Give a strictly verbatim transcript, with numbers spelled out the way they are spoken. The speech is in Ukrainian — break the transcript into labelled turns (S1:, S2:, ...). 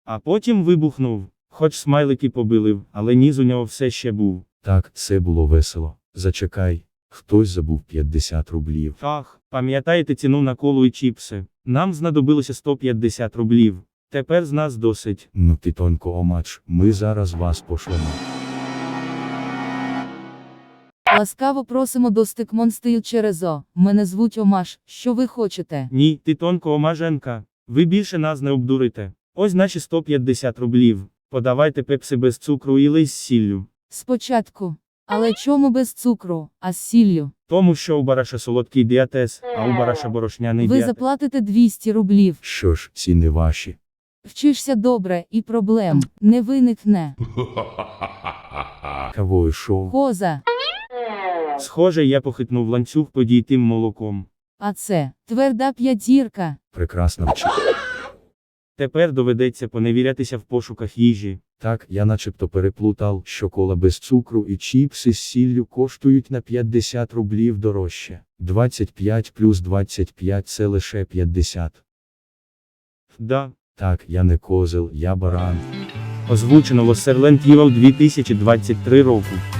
S1: А потім вибухнув. Хоч смайлики побилив, але ніс у нього все ще був.
S2: Так, це було весело. Зачекай, хтось забув п'ятдесят рублів.
S1: Ах, пам'ятаєте ціну на колу і чіпси? Нам знадобилося сто п'ятдесят рублів. Тепер з нас досить.
S2: Ну ти тонко омач, ми зараз вас пошлемо.
S3: Ласкаво просимо до Стикмонстил через О. Мене звуть Омаш. Що ви хочете?
S1: Ні, ти тонко омаженка. Ви більше нас не обдурите. Ось наші сто п'ятдесят рублів. Подавайте пепси без цукру і лий з сіллю.
S3: Спочатку. Але чому без цукру, а з сіллю?
S1: Тому що у бараша солодкий діатез, а у бараша борошняний
S3: Ви
S1: діатез.
S3: заплатите двісті рублів.
S2: Що ж, ціни ваші.
S3: Вчишся добре, і проблем не виникне.
S2: Кавою шоу.
S3: Коза.
S1: Схоже, я похитнув ланцюг подійтим молоком.
S3: А це тверда п'ятірка.
S2: Прекрасна вчителька.
S1: Тепер доведеться поневірятися в пошуках їжі.
S2: Так, я начебто переплутав, що кола без цукру і чіпси з сіллю коштують на п'ятдесят рублів дорожче. двадцять п'ять плюс двадцять п'ять це лише п'ятдесят.
S1: Да.
S2: Так, я не козел, я баран.
S1: Озвучено Лоссерленд Євал дві тисячі двадцять три року.